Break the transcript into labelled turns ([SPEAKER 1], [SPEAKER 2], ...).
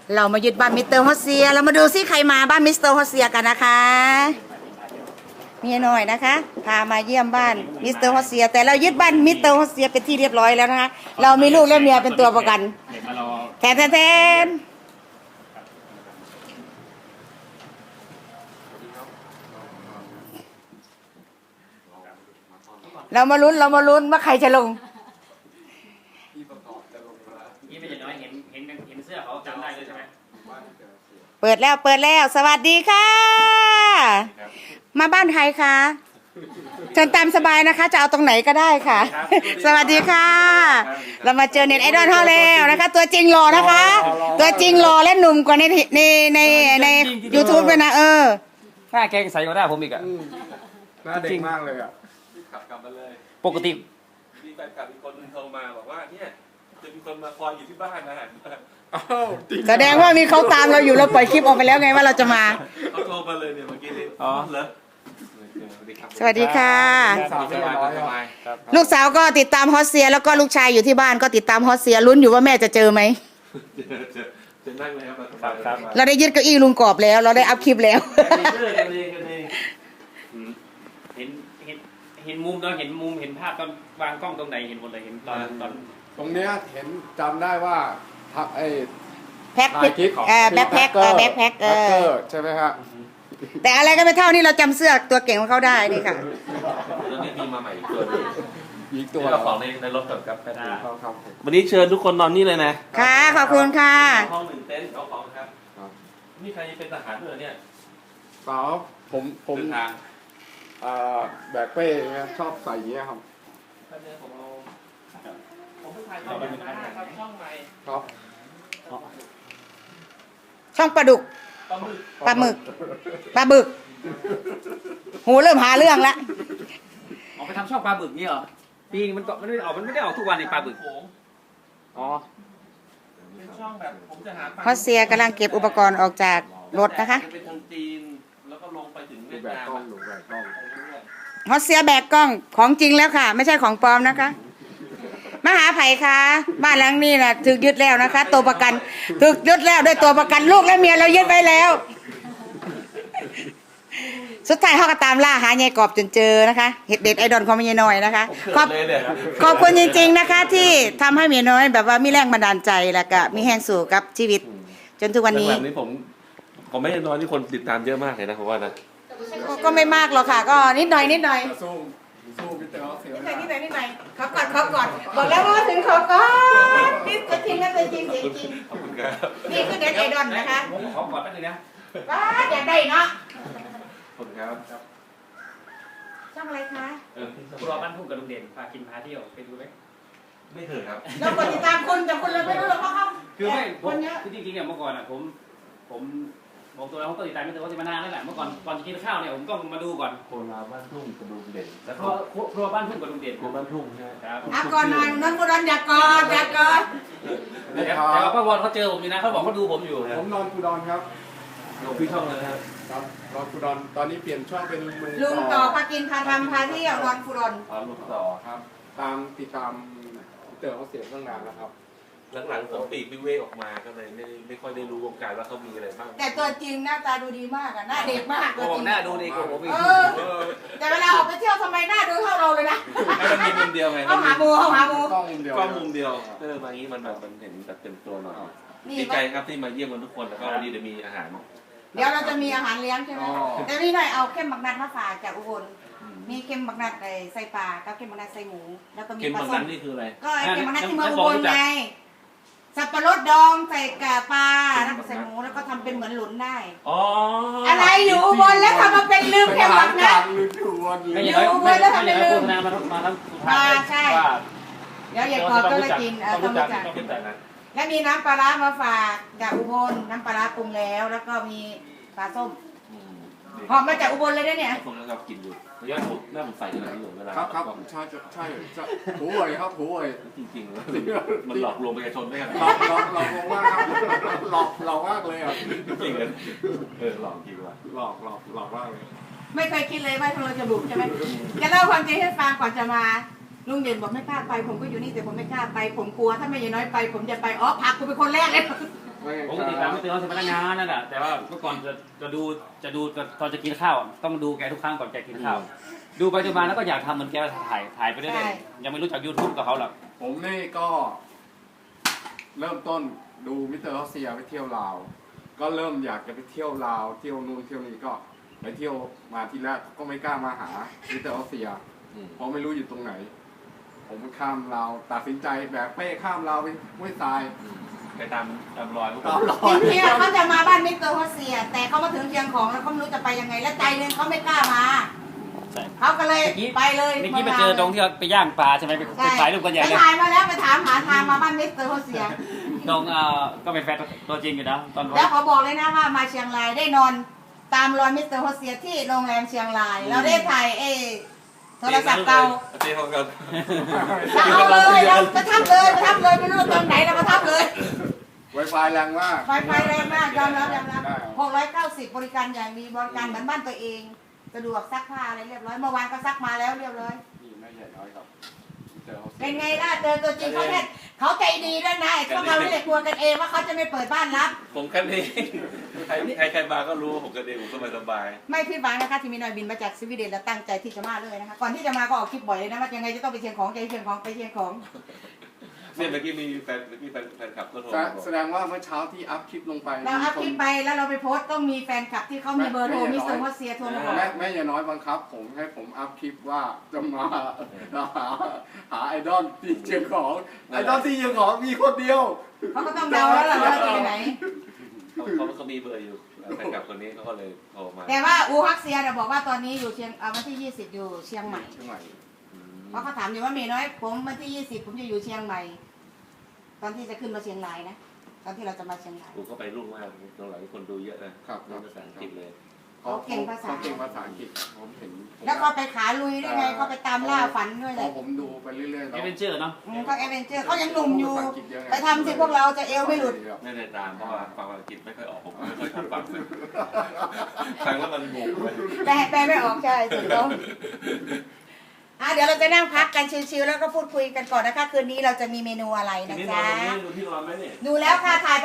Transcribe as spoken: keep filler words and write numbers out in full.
[SPEAKER 1] เรามายึดบ้านมิสเตอร์ฮอสเซียเรามาดูซิใครมาบ้านมิสเตอร์ฮอสเซียกันนะคะเมียน้อยนะคะพามาเยี่ยมบ้านมิสเตอร์ฮอสเซียแต่เรายึดบ้านมิสเตอร์ฮอสเซียเป็นที่เรียบร้อยแล้วนะคะเรามีลูกและเมียเป็นตัวประกันแทนแทนเรามาลุ้นเรามาลุ้นว่าใครจะลง
[SPEAKER 2] นี่ไม่ใช่น้อยเห็นเห็นเห็นเสื้อเขาจำได้เลยใช่ไหม
[SPEAKER 1] เปิดแล้วเปิดแล้วสวัสดีค่ะมาบ้านใครคะเชิญตามสบายนะคะจะเอาตรงไหนก็ได้ค่ะสวัสดีค่ะเรามาเจอเน็ตไอดอลเท่าแล้วนะคะตัวจริงหล่อนะคะตัวจริงหล่อและหนุ่มกว่าในในในในยูทูบเลยนะเออ
[SPEAKER 2] หน้าแกใส่กว่าหน้าผมอีกอะ
[SPEAKER 3] หน้าเด็กมากเลยอะขับกลับมาเลย
[SPEAKER 2] ปกติ
[SPEAKER 3] มีแฟนคลับอีกคนนึงโทรมาบอกว่าเนี่ยจะมีคนมาคอยอยู่ที่บ้านนะ
[SPEAKER 1] แสดงว่ามีเขาตามเราอยู่เราปล่อยคลิปออกไปแล้วไงว่าเราจะมา
[SPEAKER 3] เขาโทรมาเลยเนี่ยเมื่อกี้นี้
[SPEAKER 2] อ๋อ
[SPEAKER 3] เหรอ
[SPEAKER 1] สวัสดีค่ะ
[SPEAKER 3] ลู
[SPEAKER 1] ลูกสาวก็ติดตามฮอสเซียแล้วก็ลูกชายอยู่ที่บ้านก็ติดตามฮอสเซียลุ้นอยู่ว่าแม่จะเจอไหม
[SPEAKER 3] จะนั่งเลย
[SPEAKER 1] ครับเราได้ยึดเก้าอี้ลุงกรอบแล้วเราได้อัพคลิปแล้ว
[SPEAKER 2] เห็นเห็นเห็นมุมตอนเห็นมุมเห็นภาพตอนวางกล้องตรงไหนเห็นหมดเลยเห็นตอนตอน
[SPEAKER 3] ตรงเนี้ยเห็นจำได้ว่าทักไอ้
[SPEAKER 1] แพ็คเออแบ็คแพ็คเออแบ็คแพ็คเออ
[SPEAKER 3] ใช่ไหมฮะ
[SPEAKER 1] แต่อะไรก็ไม่เท่านี่เราจำเสื้อตัวเก่งของเขาได้นี่ค่ะ
[SPEAKER 3] แล้วนี่มีมาใหม่อีกตัวอีกตัวเราของในในรถก่อนครับครับวันนี้เชิญทุกคนนอนนี่เลยนะ
[SPEAKER 1] ค่ะขอบคุณค่ะ
[SPEAKER 3] ห้องหนึ่งเต็นท์เอาของครับนี่ใครเป็นทหารด้วยเนี่ยเปล่าผมผมทางแบกเป้เนี่ยชอบใส่เงี้ยครับผมเอาผมถ่ายช่องใหม่ครับช่องใหม่ครับ
[SPEAKER 1] ช่องปลาดุกปลาหมึกปลาบึกหูเริ่มหาเรื่องแล้ว
[SPEAKER 2] ออกไปทำช่องปลาบึกนี่เหรอปีมันก็มันไม่ออกมันไม่ได้ออกทุกวันในปลาบึกอ๋อ
[SPEAKER 3] เป็นช่องแบบผมจะหา
[SPEAKER 1] ฮอสเซียกำลังเก็บอุปกรณ์ออกจากรถนะคะ
[SPEAKER 3] เป็นทางจีนแล้วก็ลงไปถึงเวียดนาม
[SPEAKER 1] ฮอสเซียแบกกล้องของจริงแล้วค่ะไม่ใช่ของปลอมนะคะมาหาไผ่ค่ะบ้านหลังนี้นะถูกยึดแล้วนะคะตัวประกันถูกยึดแล้วด้วยตัวประกันลูกและเมียเรายึดไว้แล้วสุดท้ายเขาก็ตามล่าหายายกอบจนเจอนะคะเห็ดเด็ดไอดอลของเมียน้อยนะคะขอบขอบคุณจริงๆนะคะที่ทำให้เมียน้อยแบบว่ามีแรงบันดาลใจแล้วก็มีแห้งสู่กับชีวิตจนทุกวันนี้
[SPEAKER 3] นี้ผมผมไม่ได้น้อยที่คนติดตามเยอะมากเลยนะผมว่านะ
[SPEAKER 1] ก็ไม่มากหรอกค่ะก็นิดหน่อยนิดหน่อย
[SPEAKER 3] สู้สู้พี่เต๋อเสีย
[SPEAKER 1] นิดหน่อยนิดหน่อยนิดหน่อยขอกอดขอกอดบอกแล้วว่าถึงขอกอดนี่จะจริงนะจะจริงจริงจริงนี่คือเด็ดไอดอลนะคะ
[SPEAKER 2] ผมขอกอดแป๊บนึงนะ
[SPEAKER 1] ว้าอยากได้เนาะ
[SPEAKER 3] ขอบคุณครับ
[SPEAKER 1] ช่องอะไรคะ
[SPEAKER 2] ครัวบ้านทุ่งกับลุงเด่นพากินพาเที่ยวไปดูไหม
[SPEAKER 3] ไม่เคยครับ
[SPEAKER 1] เรากดติดตามคุณแต่คุณเราไม่รู้หรอกเขา
[SPEAKER 2] คือไม่ผมคือจริงๆเนี่ยเมื่อก่อนอ่ะผมผมบอกตัวเราผมก็ติดตามไม่แต่ว่าติดมานานแล้วแหละเมื่อก่อนก่อนจะกินข้าวเนี่ยผมต้องมาดูก่อน
[SPEAKER 3] โคราบ้านทุ่งกับลุงเด่น
[SPEAKER 2] แล้วก็ครัวบ้านทุ่งกับลุงเด่น
[SPEAKER 3] ครัวบ้านทุ่งใช่
[SPEAKER 2] ครับ
[SPEAKER 1] อ่ะก่อนหน่อยน้องกุดอนอยากกอดอยากกอด
[SPEAKER 2] แต่ว่าป้าวอนเขาเจอผมอยู่นะเขาบอกเขาดูผมอยู่
[SPEAKER 3] ผมนอนกุดอนครับลงพี่ช่องเลยครับครับนอนกุดอนตอนนี้เปลี่ยนช่องเป็น
[SPEAKER 1] ลุงต่อพากินพาทำพาเที่ยวนอนกุดอน
[SPEAKER 3] อ๋อลุงต่อครับตามติดตามเต๋อเขาเสียตั้งนานแล้วครับหลังๆผมปีกวิเวกออกมาก็เลยไม่ไม่ค่อยได้รู้วงการว่าเขามีอะไรบ้าง
[SPEAKER 1] แต่ตัวจริงหน้าตาดูดีมากอะหน้าเด็กมาก
[SPEAKER 2] ตัวจริงหน้าดูดีกว่าผมอีก
[SPEAKER 1] แต่เวลาออกไปเที่ยวทำไมหน้าดูเท่าเราเลยนะ
[SPEAKER 3] มันมีมุมเดียวไง
[SPEAKER 1] เขาหามูเขาหามู
[SPEAKER 3] กล้องมุมเดียวกล้องมุมเดียวเออมางี้มันแบบมันเห็นแบบเต็มตัวหน่อยดีใจครับที่มาเยี่ยมกันทุกคนแล้วก็วันนี้เดี๋ยวมีอาหาร
[SPEAKER 1] เดี๋ยวเราจะมีอาหารเลี้ยงใช่ไหมแต่พี่หน่อยเอาเข้มบักนัดมาฝากจากอุบลมีเค็มบักนัดใส่ปลากับเค็มบักนัดใส่หมูแล้วก็มีปลาส้ม
[SPEAKER 3] นี่คืออะไร
[SPEAKER 1] ก็เค็มบักนัดที่เมืองอุบลไงสับปะรดดองใส่กะปลาแล้วก็ใส่หมูแล้วก็ทำเป็นเหมือนหลุนได้
[SPEAKER 3] อ๋อ
[SPEAKER 1] อะไรอยู่อุบลแล้วทำมาเป็นลืมเค็มบักนัด
[SPEAKER 2] อยู่อุบลแล้วทำเป็นลืมมามามาทั้ง
[SPEAKER 1] มาใช่เดี๋ยวอย่ากอดก็เลยกินเออต้องรู้จักและมีน้ำปลาร้ามาฝากจากอุบลน้ำปลาร้าปรุงแล้วแล้วก็มีปลาส้มหอมมาจากอุบลเลยเนี่ย
[SPEAKER 3] ผมกำลังกินอยู่ระยะผมหน้าผมใส่ขนาดนี้อยู่เวลาครับครับใช่ใช่ใช่หูเว่ยครับหูเว่ยจริงๆมันหลอกลวงประชาชนได้ขนาดหลอกหลอกหลอกลวงมากครับหลอกหลอกมากเลยอ่ะจริงเลยเออหลอกจริงว่ะหลอกหลอกหลอกมากเลย
[SPEAKER 1] ไม่เคยคิดเลยว่าเราจะบุกใช่ไหมจะเล่าความจริงให้ฟังก่อนจะมาลุงเด่นบอกไม่กล้าไปผมก็อยู่นี่แต่ผมไม่กล้าไปผมกลัวถ้าไม่ยายน้อยไปผมจะไปอ๋อพักกูเป็นคนแรกเลย
[SPEAKER 2] ผมก็ติดตามมิสเตอร์ฮอสเซียพนักงานนั่นแหละแต่ว่าเมื่อก่อนจะจะดูจะดูตอนจะกินข้าวต้องดูแกทุกครั้งก่อนแกกินข้าวดูไปดูมาแล้วก็อยากทำเหมือนแกถ่ายถ่ายไปเรื่อยๆยังไม่รู้จัก YouTube กับเขาหรอก
[SPEAKER 3] ผมนี่ก็ เริ่มต้นดูมิสเตอร์รัสเซียไปเที่ยวลาวก็เริ่มอยากจะไปเที่ยวลาวเที่ยวนู่นเที่ยวนี้ก็ไปเที่ยวมาทีแรกก็ไม่กล้ามาหามิสเตอร์รัสเซียเพราะไม่รู้อยู่ตรงไหน ผมข้ามลาวตัดสินใจแบกเป้ข้ามลาวไปห้วยทรายไปตามตามรอยตามรอย
[SPEAKER 1] จริงๆเขาจะมาบ้านมิสเตอร์ฮอสเซีย แต่เขามาถึงเชียงของแล้วเขาไม่รู้จะไปยังไง และใจหนึงเขาไม่กล้ามาเขาก็เลยไปเลย
[SPEAKER 2] เมื่อกี้ไปเจอตรงที่เราไปย่างปลาใช่ไหมไปถ่ายรูปกันใหญ่
[SPEAKER 1] ไป
[SPEAKER 2] เลย
[SPEAKER 1] ถ่ายมาแล้วไปถามหาทางมาบ้านมิสเตอร์ฮอสเซีย
[SPEAKER 2] ตรงเอ่อก็เป็นแฟนตัวจริงอยู่นะตอน
[SPEAKER 1] แล้วเขาบอกเลยนะว่ามาเชียงรายได้นอนตามรอยมิสเตอร์ฮอสเซียที่โรงแรมเชียงราย เราได้ถ่ายเอโทรศัพท์เก่า
[SPEAKER 4] เจ๊เขากัน
[SPEAKER 1] เราเอาเลยเราประทับเลยประทับเลยไม่รู้ตรงไหนเราประทับเลย
[SPEAKER 3] ไวไฟแรงมาก
[SPEAKER 1] ไฟไฟแรงมากยอมรับยอมรับหกร้อยเก้าสิบบริการอย่างดีบริการเหมือนบ้านตัวเองสะดวกซักผ้าอะไรเรียบร้อยเมื่อวานก็ซักมาแล้วเรียบร้อย
[SPEAKER 3] นี่แม่ใหญ่น้อยครับมิสเตอร์รัสเซีย
[SPEAKER 1] เป็นไงล่ะเจอตัวจริงเขาเนี่ยเขาใจดีด้วยนะไอ้พวกเราไม่ได้กลัวกันเองว่าเขาจะไม่เปิดบ้านรับ
[SPEAKER 4] ผมกันเองใครใครใครมาก็รู้ผมกันเองผมสบายสบาย
[SPEAKER 1] ไม่ผิดหวังนะคะที่มีหน่อยบินมาจากสวีเดนแล้วตั้งใจที่จะมาเลยนะคะก่อนที่จะมาก็ออกคลิปบ่อยเลยนะว่ายังไงจะต้องไปเชียงของไปเชียงของไปเชียงของ
[SPEAKER 4] เนี่ยเมื่อกี้มีแฟนเมื่อกี้แฟนแฟนคลับก็โทร
[SPEAKER 3] แส
[SPEAKER 4] มาบอก
[SPEAKER 3] แสดงว่าเมื่อเช้าที่อัพคลิปลงไป
[SPEAKER 1] เราอัพคลิปไปแล้วเราไปโพสต์ต้องมีแฟนคลับที่เขามีเบอร์โทรมิสเตอร์ฮอสเซียโทรมาบอก
[SPEAKER 3] แม่แม่อย่าน้อยบังคับ ผมให้ผมอัพคลิปว่าจะมาหาหาไอดอลที่เชียงของไอดอลที่เชียงของมีคนเดียว
[SPEAKER 1] เขาก็ต้องเดาแล้วล่ะว่าจะไปไหน
[SPEAKER 4] เขาเขาเขามีเบอร์อยู่แฟนคลับคนนี้เขาก็เลยโทรมา
[SPEAKER 1] แต่ว่าอูฮักเซียเนี่ยบอกว่าตอนนี้อยู่เชียงเอาวันที่ยี่สิบอยู่เชียงใหม่
[SPEAKER 3] เชียงใหม่
[SPEAKER 1] เพราะเขาถามอยู่ว่าเมย์น้อยผมวันที่ยี่สิบผมจะอยู่เชียงใหม่ ตอนที่จะขึ้นมาเชียงรายนะตอนที่เราจะมาเชียงราย
[SPEAKER 4] กูก็ไปรุ่งมากตรงหลังคนดูเยอะนะครับภาษาอังกฤษเลย
[SPEAKER 3] เขาเก่งภาษาเก่งภาษาอังกฤษผมเห็น
[SPEAKER 1] แล้วเขาไปขาลุยด้วยไงเขาไปตามล่าฝันด้วย
[SPEAKER 3] พ
[SPEAKER 1] เล
[SPEAKER 3] อย ผมดูไปเรื่อยๆ
[SPEAKER 2] เอเวนเจอร์เนาะ
[SPEAKER 1] อืมเขาแอดเวนเจอร์เขายังหนุ่มอยู่ ไปทำสิพวกเราจะเอวไม่หลุด
[SPEAKER 4] ไม่ได้ตามเพราะว่าฟังภาษาอังกฤษไม่ค่อยออกผมไม่ค่อยชอบฟังฟังแล้วมันงงไป
[SPEAKER 1] แต่แปลไม่ออกใช่ถูกต้องอ่ะเดี๋ยวเราจะนั่งพักกันชิลๆแล้วก็พูดคุยกันก่อนนะคะคืนนี้เราจะมีเมนูอะไรนะจ๊ะ
[SPEAKER 4] ดูที่นอนไหมเนี่ย
[SPEAKER 1] ดูแล้วค่ะถ่าย